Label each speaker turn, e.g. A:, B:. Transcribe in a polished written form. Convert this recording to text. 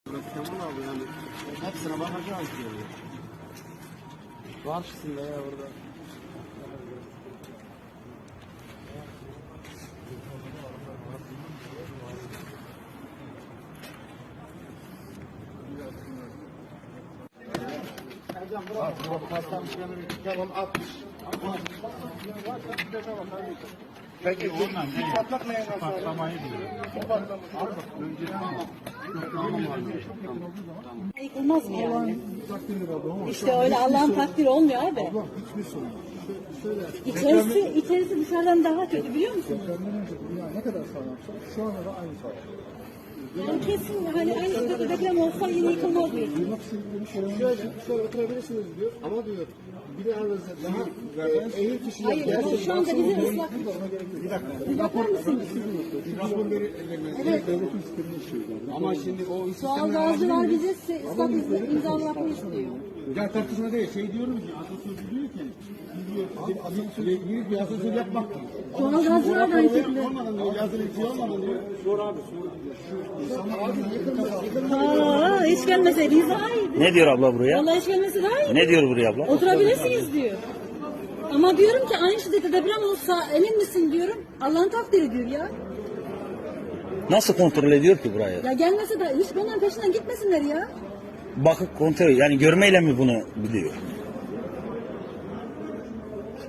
A: Kemal abi yani hepsine bakacağız diyor. Karşısında ya orada.
B: Peki bu patlak neye nasıl?
C: Patlamayı diyor.
D: Yıkılmaz mı yani? İşte öyle Allah'ın takdiri olmuyor abi.
B: Hiçbir sorun.
D: İçerisi dışarıdan daha kötü biliyor musun?
B: Depremden önce bina ne kadar sağlamsa şu anda da aynı sağlam.
D: Yani kesin hani aynı şekilde deprem olsa yine yıkılmaz diyor.
B: Duymak istediklerini söylemek
A: Şöyle oturabilirsiniz diyor ama diyor binanızda daha eğil kişiler
D: Hayır, şu anda bizim ıslak.
B: Bir dakika.
D: Yapar mısın?
A: rapor
B: Evet. Devletin sistemini işliyorlar.
A: ama şimdi o
D: Doğalgazcılar bize ıslak imzalatmayı istiyor.
A: ya tartışma değil şey diyorum ki atasözü diyor ki bir atasözü yapmak.
D: Doğalgazcılar da aynı şekilde.
A: Olmadan diyor yazılı bir şey olmadan diyor. Sor abi
D: Hiç gelmeseydiniz daha iyiydi.
E: Ne diyor abla buraya?
D: Vallahi hiç gelmesi daha iyi.
E: Ne diyor buraya abla?
D: Oturabilirsiniz diyor. Ama diyorum ki aynı şiddette deprem olsa emin misin diyorum. Allah'ın takdiri diyor ya.
E: Nasıl kontrol ediyor ki burayı?
D: Ya gelmese de hiç bunların peşinden gitmesinler ya.
E: Bakıp kontrol yani görmeyle mi bunu biliyor?